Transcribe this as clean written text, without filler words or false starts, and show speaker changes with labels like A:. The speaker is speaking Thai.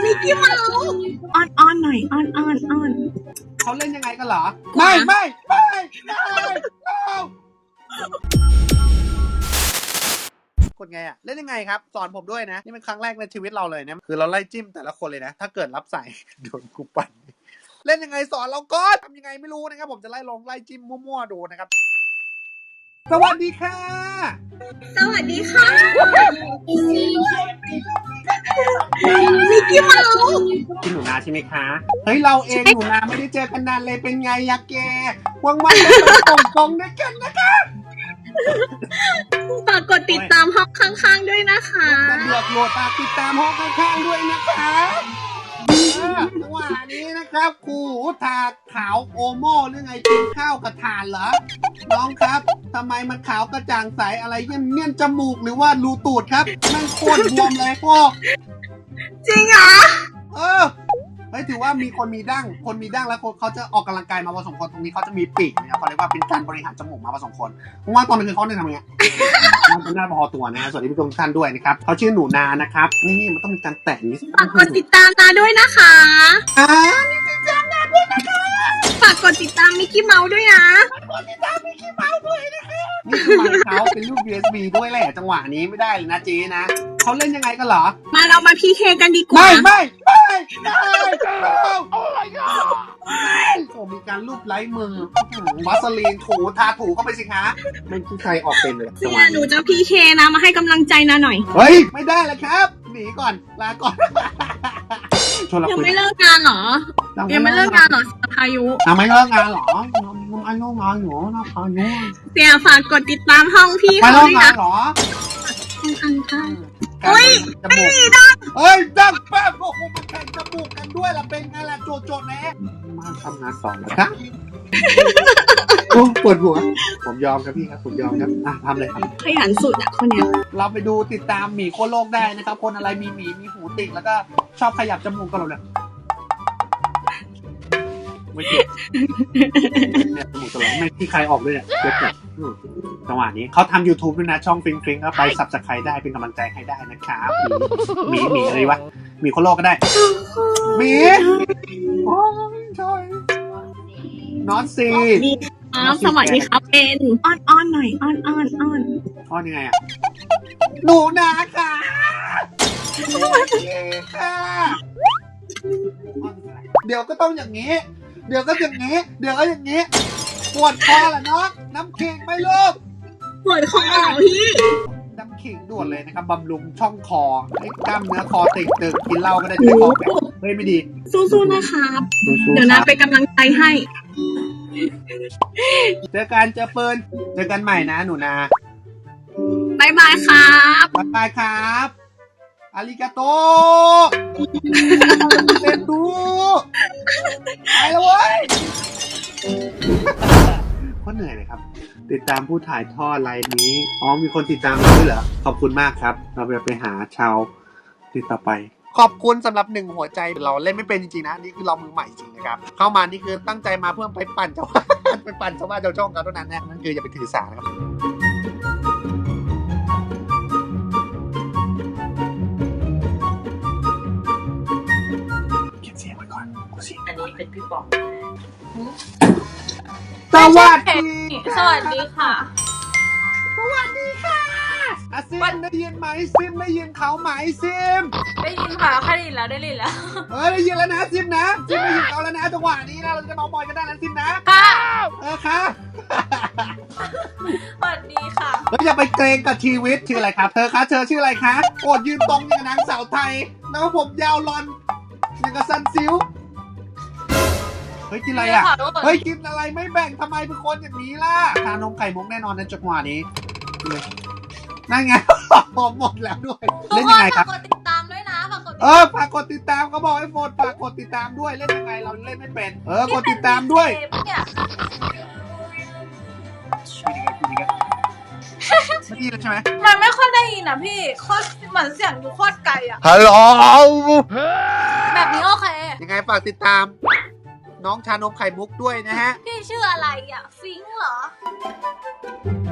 A: มิกกี้เมาส์อ้อนหน่อยอ้อน
B: เขาเล่นยังไงกันเหรอไม่กดไงอะเล่นยังไงครับสอนผมด้วยนะนี่เป็นครั้งแรกในชีวิตเราเลยนะคือเราไล่จิ้มแต่ละคนเลยนะถ้าเกิดรับสายโดนกูปั่นเล่นยังไงสอนเราก่อนทำยังไงไม่รู้นะครับผมจะไล่จิ้มมั่วๆดูนะครับสวัสดีค่ะ
A: สวัสดีค่ะมิกกี้เมาส์
B: พี่หนูนาใช่ไหมคะเฮ้ยเราเองหนูนาไม่ได้เจอกันนานเลยเป็นไงยะแกว่างๆไปตรงด้วยกันนะคะ
A: ฝากกดติดตามห้องข้างๆด้วยนะคะ
B: เดือดโหลดฝากติดตามห้องข้างๆด้วยนะคะจังหวะนี้นะครับครูทาขาวโอโม่หรือไงกินข้าวกับถ่านเหรอน้องครับทำไมมันขาวกระจ่างใสอะไรเงี้ยจมูกหรือว่ารูตูดครับมันโคตรบวมเลยพ่อ
A: จริงเหรอ
B: เฮ้ยถือว่ามีคนมีดั้งแล้วคนเขาจะออกกำลังกายมาผสมคนตรงนี้เขาจะมีปีกนะครับเขาเรียกว่าเป็นการบริหารจมูกมาผสมคนเพราะว่าตอนนี้คือเขาเนี่ยทำไงมันน่าพอตัวนะสวัสดีผู้ชมทุกท่านด้วยนะครับเขาชื่อหนูนานะครับนี่มันต้องมีการแตะนี้
A: ฝากกดติดตามนาด้วยนะคะ
B: นี่ติดตามนาด้วยนะคะ
A: ฝากกดติดตามมิกกี้เมาส์ด้วยนะ
B: กดติดตามมิกกี้เมาส์ด้วยนะคะนี่คือมันเขาเป็นรูป USB ด้วยแหละจังหวะนี้ไม่ได้เลยนะเจ๊นะเขาเล่นยังไงกันเหรอ
A: มาเรามาพีเคกันดีกว่า
B: ไม่โอ้ my god โอ้มีการลูบไล้มือวัสลีนถูทาถูเข้าไปสิคะไม่คิดใครออกเป็นเลย
A: จังหวะหนูจะพีเคนะมาให้กำลังใจนะหน่อย
B: เฮ้ยไม่ได้เลยครับหนีก่อนลาก่อน
A: ยังไม่เลิกงานเหรอยังไม่เลิกงานเหรอพายุ
B: ไม่เลิกงานเหรอยังไม่เลิกงานอยู่นะพายุ
A: เสียฝากกดติดตามห้องพี่
B: เขาด้วยนะเหรอ
A: ข้างเฮ้ยไม่มีดัง
B: ดังแป๊บโอ้โหมันแข่งจมูกกันด้วยล่ะเป็นไงล่ะโจทย์แน่มาทำงานสอนแล้วครับโอ้ปวดหัวผมยอมครับพี่ครับผมยอมครับทำเลยครับ
A: ขยันสุดอ่ะคนเนี้ย
B: เราไปดูติดตามหมีโคโลกได้นะครับคนอะไรมีหมีมีหูติ่งแล้วก็ชอบขยับจมูกกันเราเนี่ยไม่เจ็บเนี่ยจมูกตลอดไม่ที่ใครออกด้วยเนี่ยเจ็บแบบจังหวะนี้เขาทำ YouTube ด้วยนะช่องฟริงครับไปซับสไครต์ได้เป็นกำลังใจให้ได้นะครับหมีอะไรวะหมีโคโลกก็ได้หมีโอ้ยใช่นอตซี
A: สวัสดีครับเป็นอ้อนหน่อยอ้
B: อนยังไงอ่ะหนูนาค่ะค่ะเดี๋ยวก็ต้องอย่างนี้เดี๋ยวก็อย่างนี้ปวดคอแหละน้องน้ำขิงไหมลูก
A: ปวดคอเหรอพี่
B: น้ำขิงด่วนเลยนะครับบำรุงช่องคอให้กล้ามเนื้อคอตึงกินเหล้าก็ได้ไม่คอแข็งเฮ้ยไม่ดี
A: สู้ๆนะครับเดี๋ยวนะเป็นกำลังใจให้
B: เจอกันเจอปืนเจอกันใหม่นะหนูนา
A: บายบายครับ
B: บ๊ายบายครับอาริกาโตเซ็นดูไปแล้วเว้ยก็เหนื่อยเลยครับติดตามผู้ถ่ายทอดไลน์นี้มีคนติดตามเราด้วยเหรอขอบคุณมากครับเราไปหาชาวติดต่อไปขอบคุณสำหรับ1หัวใจเราเล่นไม่เป็นจริงๆนะนี่คือเรามือใหม่จริงนะครับเข้ามานี่คือตั้งใจมาเพื่อไปปั่นชาวบ้านไปปั่นชาวบ้านชาวช่องเขาเท่านั้นนะนั่นคืออย่าไปถือสานะครับเก็บเสียงไว้ก่อนกูสิ
C: อันนี้เป็นพี่ป๋อง
B: สวัสดี
C: สวัสดีค่ะ
B: ซิมได้ยินไหมซิมได้ยินเขาไหมซิม
C: ได้ยินค่ะแค่ได้ยินแล้วได้ยินแล้ว
B: ได้ยินแล้วนะซิมนะซิมได้ยินเขาแล้วนะจังหวะนี้นะเราจะเมาบอยกันได้แล้วซิมนะ
C: ค่ะ
B: ค่ะ
C: สวัสดีค่ะ
B: อย่าไปเกรงกับชีวิตชื่ออะไรครับเธอคะเธอชื่ออะไรคะโอดยืนตรงอย่างนางสาวไทยแล้วผมยาวลอนอย่างกับซันซิลเฮ้ยกินอะไรอ่ะเฮ้ยกินอะไรไม่แบ่งทำไมเป็นคนอย่างนี้ล่ะชานมไข่มุกแน่นอนในจังหวะนี้นั่นไงผมหมดแล้วด้วยเล่นยังไงครับ
C: ฝากกดติดตามด้วยนะฝาก
B: กดติดตามเขาบอกให้โฟนฝากกดติดตามด้วยเล่นยังไงเราเล่นไม่เป็นกดติดตามด้วยไม่ดีเลยใช่ไหม
C: มันไม่ค่อยได้ยินอ่ะพี่โคตรเหมือนเสียงอยู่โคตรไกลอ่ะ
B: ฮัลโหล
C: แบบนี้โอเค
B: ยังไงฝากติดตามน้องชานมไข่มุกด้วยนะฮะ
C: พี่ชื่ออะไรอ่ะฟิงค์เหรอ